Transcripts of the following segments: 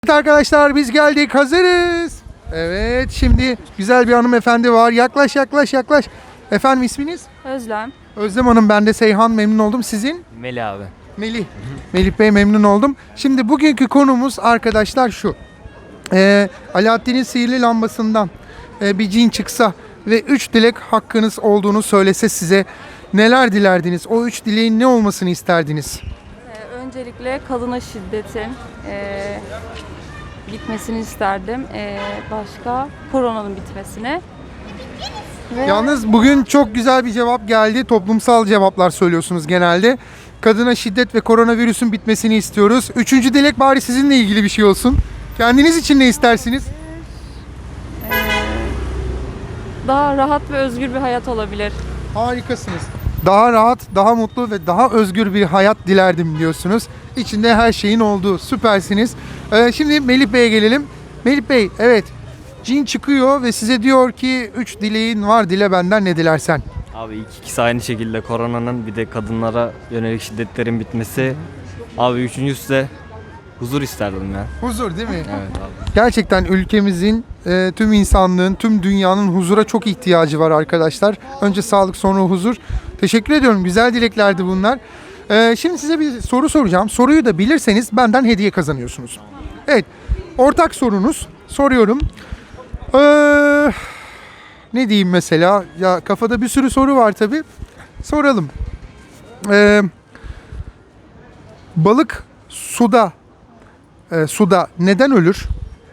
Evet arkadaşlar, biz geldik, hazırız. Evet, şimdi güzel bir hanımefendi var. Yaklaş. Efendim, isminiz? Özlem. Özlem Hanım, ben de Seyhan, memnun oldum. Sizin? Melih abi. Melih. Melih Bey, memnun oldum. Şimdi bugünkü konumuz arkadaşlar şu. Alaaddin'in sihirli lambasından bir cin çıksa ve 3 dilek hakkınız olduğunu söylese size neler dilerdiniz? O 3 dileğin ne olmasını isterdiniz? Öncelikle kadına şiddetin bitmesini isterdim. Başka koronanın bitmesini. Ve Yalnız bugün çok güzel bir cevap geldi. Toplumsal cevaplar söylüyorsunuz genelde. Kadına şiddet ve koronavirüsün bitmesini istiyoruz. 3. dilek bari sizinle ilgili bir şey olsun. Kendiniz için ne istersiniz? daha rahat ve özgür bir hayat olabilir. Harikasınız. Daha rahat, daha mutlu ve daha özgür bir hayat dilerdim diyorsunuz. İçinde her şeyin olduğu. Süpersiniz. Şimdi Melih Bey'e gelelim. Melih Bey, evet. Cin çıkıyor ve size diyor ki 3 dileğin var, dile benden ne dilersen. Abi ilk ikisi aynı şekilde koronanın bir de kadınlara yönelik şiddetlerin bitmesi. Abi üçüncüsü de huzur isterdim ya. Huzur değil mi? Evet abi. Gerçekten ülkemizin, tüm insanlığın, tüm dünyanın huzura çok ihtiyacı var arkadaşlar. Önce sağlık, sonra huzur. Teşekkür ediyorum. Güzel dileklerdi bunlar. Şimdi size bir soru soracağım. Soruyu da bilirseniz benden hediye kazanıyorsunuz. Evet. Ortak sorunuz. Soruyorum. Ne diyeyim mesela? Ya kafada bir sürü soru var tabii. Soralım. Balık suda neden ölür?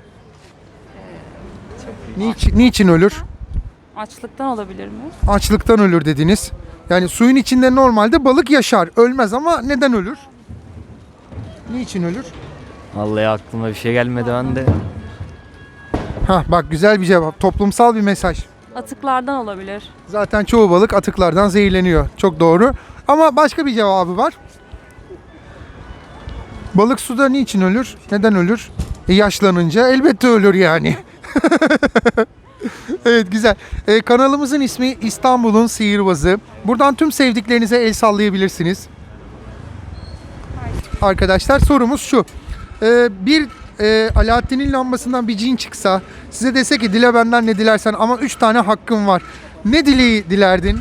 Niçin ölür? Açlıktan olabilir mi? Açlıktan ölür dediniz. Yani suyun içinde normalde balık yaşar, ölmez ama neden ölür? Niçin ölür? Vallahi aklıma bir şey gelmedi ben de. Bak, güzel bir cevap. Toplumsal bir mesaj. Atıklardan olabilir. Zaten çoğu balık atıklardan zehirleniyor. Çok doğru. Ama başka bir cevabı var. Balık suda niçin ölür? Neden ölür? Yaşlanınca elbette ölür yani. Evet, güzel. Kanalımızın ismi İstanbul'un Sihirbazı. Buradan tüm sevdiklerinize el sallayabilirsiniz. Arkadaşlar, sorumuz şu. Alaaddin'in lambasından bir cin çıksa, size dese ki dile benden ne dilersen ama 3 tane hakkın var. Ne dileği dilerdin?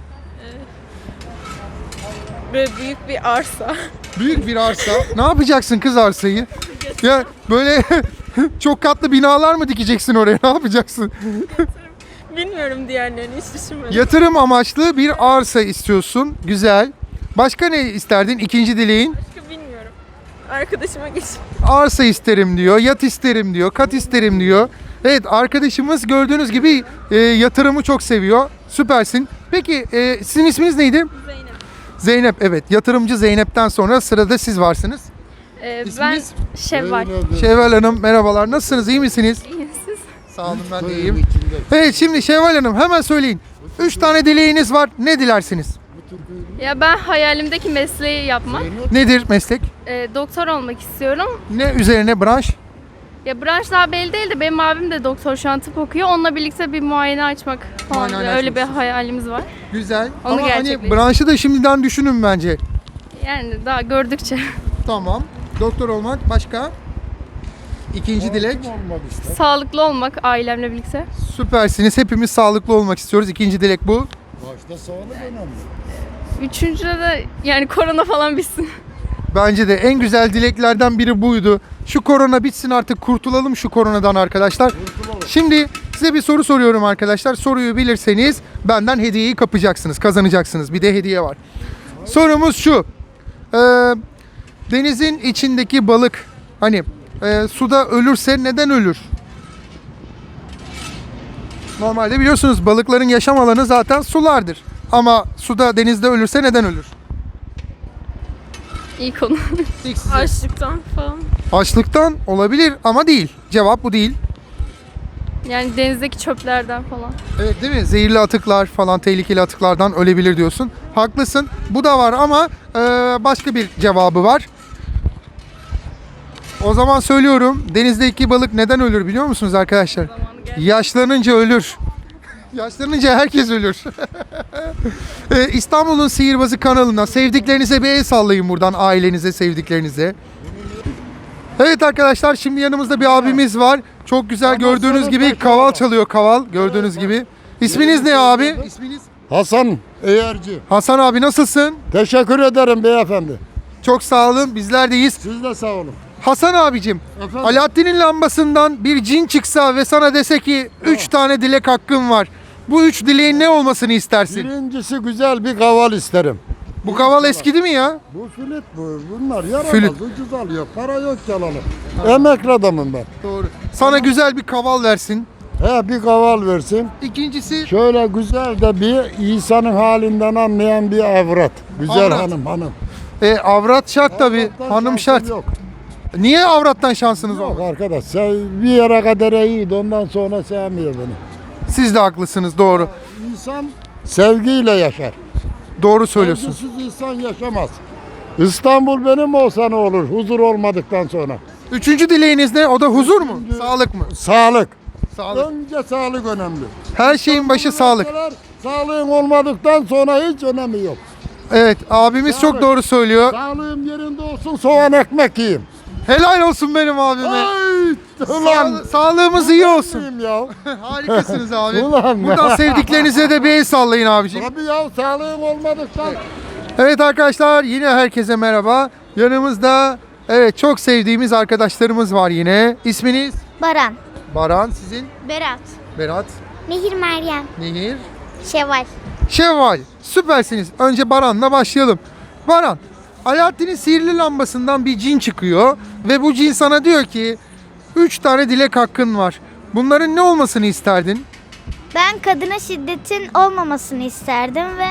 Böyle büyük bir arsa. Büyük bir arsa. Ne yapacaksın kız arsayı? Ya böyle çok katlı binalar mı dikeceksin oraya? Ne yapacaksın? Bilmiyorum, diğerlerini hiç düşünmedim. Yatırım amaçlı bir arsa istiyorsun. Güzel. Başka ne isterdin? İkinci dileğin? Başka bilmiyorum. Arkadaşıma geç. Arsa isterim diyor, yat isterim diyor, kat isterim diyor. Evet, arkadaşımız gördüğünüz gibi yatırımı çok seviyor. Süpersin. Peki sizin isminiz neydi? Zeynep. Zeynep, evet. Yatırımcı Zeynep'ten sonra sırada siz varsınız. Ben İsminiz? Şevval. Şevval Hanım, merhabalar. Nasılsınız? İyi misiniz? İyiyim siz? Sağ olun, ben de iyiyim. Evet, şimdi Şevval Hanım hemen söyleyin. 3 tane dileğiniz var. Ne dilersiniz? Ya ben hayalimdeki mesleği yapmak. Nedir meslek? Doktor olmak istiyorum. Ne üzerine branş? Ya branş daha belli değil de benim abim de doktor, şu an tıp okuyor. Onunla birlikte bir muayene açmak falan. Muayene Öyle bir açmak hayalimiz var. Güzel. Onu Ama hani gerçekleştir. branşı da şimdiden düşünün bence. Yani daha gördükçe. Tamam. Doktor olmak, başka? İkinci dilek. Sağlıklı olmak ailemle birlikte. Süpersiniz. Hepimiz sağlıklı olmak istiyoruz. İkinci dilek bu. Başta sağlık önemli. Üçüncüde de yani korona falan bitsin. Bence de en güzel dileklerden biri buydu. Şu korona bitsin artık, kurtulalım şu koronadan arkadaşlar. Şimdi size bir soru soruyorum arkadaşlar. Soruyu bilirseniz benden hediyeyi kapacaksınız, kazanacaksınız. Bir de hediye var. Sorumuz şu. Denizin içindeki balık hani suda ölürse neden ölür? Normalde biliyorsunuz balıkların yaşam alanı zaten sulardır. Ama suda, denizde ölürse neden ölür? İyi konu. İlk size. Açlıktan falan. Açlıktan olabilir ama değil. Cevap bu değil. Yani denizdeki çöplerden falan. Evet, değil mi? Zehirli atıklar falan, tehlikeli atıklardan ölebilir diyorsun. Haklısın. Bu da var ama başka bir cevabı var. O zaman söylüyorum. Denizdeki balık neden ölür biliyor musunuz arkadaşlar? Yaşlanınca ölür. Yaşlanınca herkes ölür. İstanbul'un Sihirbazı kanalına sevdiklerinize bir el sallayın buradan, ailenize, sevdiklerinize. Evet arkadaşlar, şimdi yanımızda bir abimiz var. Çok güzel, gördüğünüz gibi kaval çalıyor, kaval gördüğünüz gibi. İsminiz ne abi? İsminiz? Hasan Eğerci. Hasan abi, nasılsın? Teşekkür ederim beyefendi. Çok sağ olun, bizler deyiz. Siz de sağ olun. Hasan abicim, Efendim? Alaaddin'in lambasından bir cin çıksa ve sana dese ki 3 tane dilek hakkın var. Bu 3 dileğin ne olmasını istersin? Birincisi güzel bir kaval isterim. Bu kaval eskidi mi ya? Bu flüt bu. Bunlar yaramaz. Flüt. Ucuz alıyor. Para yok yalanı. Emekli adamım ben. Doğru. Sana güzel bir kaval versin. He bir kaval versin. İkincisi Şöyle güzel de bir insanın halinden anlayan bir avrat. Güzel Avrat. hanım. avrat şart tabii. Avrattan Hanım şansım şart. Yok. Niye avrattan şansınız Yok olmadı? arkadaş. Sen bir yere kadar iyiydi. Ondan sonra sevmiyor beni. Siz de haklısınız, doğru. İnsan sevgiyle yaşar. Doğru söylüyorsun. Sevgisiz insan yaşamaz. İstanbul benim olsa ne olur huzur olmadıktan sonra? Üçüncü dileğiniz ne? O da huzur mu? Sağlık mı? Sağlık. Sağlık. Önce sağlık önemli. Her şeyin başı sağlık. Sağlığın olmadıktan sonra hiç önemi yok. Evet, abimiz çok doğru söylüyor. Sağlığım yerinde olsun soğan ekmek yiyeyim. Helal olsun benim abime. Ay, ulan. Sağlığımız iyi olsun. Yiyeyim ya. Harikasınız abi. Ulan. Buradan sevdiklerinize de bir el sallayın abiciğim. Tabii ya sağlığım olmadıktan. Evet arkadaşlar, yine herkese merhaba. Yanımızda çok sevdiğimiz arkadaşlarımız var yine. İsminiz? Baran, Baran, sizin? Berat, Berat, Nehir Meryem, Nehir, Şevval. Şevval. Süpersiniz. Önce Baran'la başlayalım. Baran, Alaaddin'in sihirli lambasından bir cin çıkıyor ve bu cin sana diyor ki 3 tane dilek hakkın var. Bunların ne olmasını isterdin? Ben kadına şiddetin olmamasını isterdim ve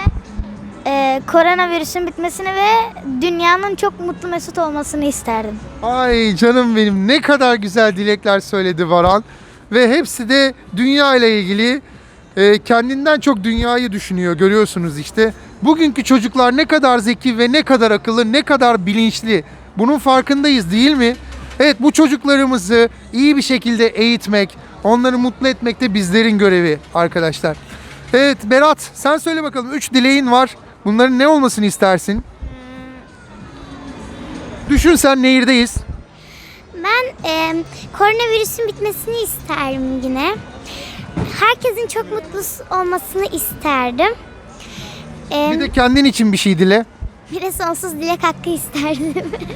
koronavirüsün bitmesini ve dünyanın çok mutlu mesut olmasını isterdim. Ay canım benim, ne kadar güzel dilekler söyledi Baran. Ve hepsi de dünya ile ilgili, kendinden çok dünyayı düşünüyor, görüyorsunuz işte. Bugünkü çocuklar ne kadar zeki ve ne kadar akıllı, ne kadar bilinçli. Bunun farkındayız değil mi? Evet, bu çocuklarımızı iyi bir şekilde eğitmek, onları mutlu etmek de bizlerin görevi arkadaşlar. Evet Berat, sen söyle bakalım, 3 dileğin var. Bunların ne olmasını istersin? Düşün, sen nehirdeyiz. Ben koronavirüsün bitmesini isterim yine. Herkesin çok mutlu olmasını isterdim. Bir de kendin için bir şey dile. Bir de sonsuz dilek hakkı isterdim.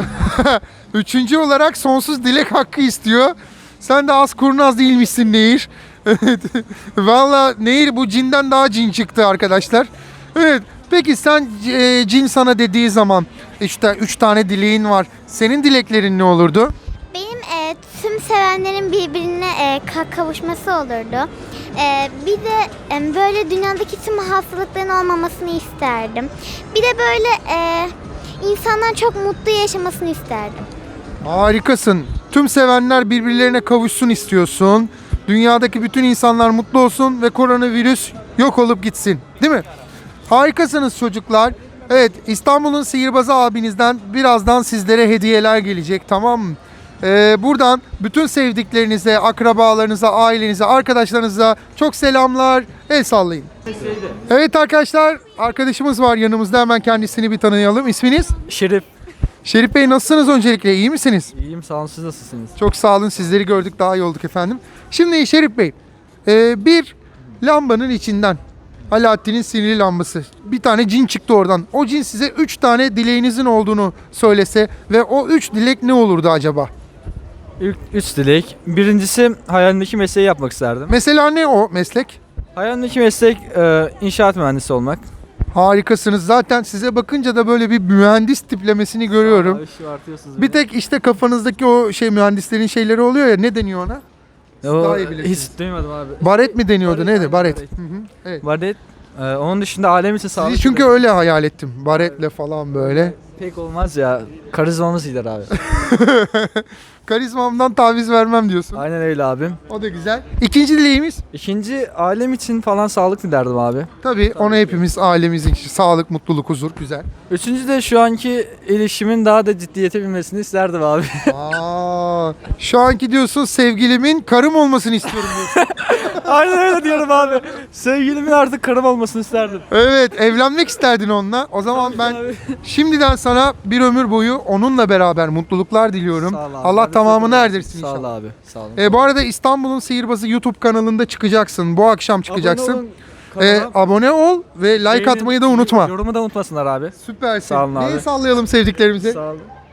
Üçüncü olarak sonsuz dilek hakkı istiyor. Sen de az kurnaz değilmişsin Nehir. Evet. Valla Nehir bu cinden daha cin çıktı arkadaşlar. Evet. Peki sen cin sana dediği zaman işte 3 tane dileğin var. Senin dileklerin ne olurdu? Benim tüm sevenlerin birbirine kavuşması olurdu. Bir de böyle dünyadaki tüm hastalıkların olmamasını isterdim. Bir de böyle insanlar çok mutlu yaşamasını isterdim. Harikasın. Tüm sevenler birbirlerine kavuşsun istiyorsun. Dünyadaki bütün insanlar mutlu olsun ve koronavirüs yok olup gitsin. Değil mi? Harikasınız çocuklar. Evet, İstanbul'un sihirbazı abinizden birazdan sizlere hediyeler gelecek, tamam mı? Buradan bütün sevdiklerinize, akrabalarınıza, ailenize, arkadaşlarınıza çok selamlar. El sallayın. Evet arkadaşlar, arkadaşımız var yanımızda. Hemen kendisini bir tanıyalım. İsminiz? Şerif. Şerif Bey, nasılsınız öncelikle? İyi misiniz? İyiyim sağ olun, siz nasılsınız? Çok sağ olun. Sizleri gördük, daha iyi olduk efendim. Şimdi Şerif Bey, bir lambanın içinden, Alaaddin'in sihirli lambası, bir tane cin çıktı oradan. O cin size 3 tane dileğinizin olduğunu söylese ve o 3 dilek ne olurdu acaba? İlk 3 dilek. Birincisi hayalimdeki mesleği yapmak isterdim. Mesela ne o meslek? Hayalimdeki meslek inşaat mühendisi olmak. Harikasınız. Zaten size bakınca da böyle bir mühendis tiplemesini görüyorum. Abi, şu artıyorsunuz Bir tek işte kafanızdaki o mühendislerin şeyleri oluyor ya, ne deniyor ona? O, daha iyi bilirsiniz. hiç duymadım abi. Baret mi deniyordu? Baret, Neydi? aynen, Baret. baret. Hı hı. Evet. Baret. Onun dışında alem için sağlık. Sizi çünkü öyle hayal ettim. Baretle falan böyle. Pek olmaz ya. Karizmamız gider abi. Karizmamdan taviz vermem diyorsun. Aynen öyle abim. O da güzel. İkinci dileğimiz? İkinci alem için falan sağlık dilerdim abi. Tabii onu hepimiz, ailemiz için sağlık, mutluluk, huzur, güzel. Üçüncü de şu anki ilişkimin daha da ciddiyete binmesini isterdim abi. Aa, şu anki diyorsun sevgilimin karım olmasını istiyorum diyorsun. Aynen öyle diyorum abi. Sevgilimin artık karım olmasını isterdim. Evet, evlenmek isterdin onunla. O zaman ben şimdiden sana bir ömür boyu onunla beraber mutluluklar diliyorum. Sağ ol abi. Allah Ben de tamamını seviyorum. erdirsin Sağ ol inşallah. abi. Sağ olun. Bu arada İstanbul'un Sihirbazı YouTube kanalında çıkacaksın. Bu akşam çıkacaksın. Abone olun kanala. Abone ol ve like Beğenin, atmayı da unutma. Yorumu da unutmasınlar abi. Süpersin. Sağ olun abi. Neyi sallayalım sevdiklerimize? Sağ olun.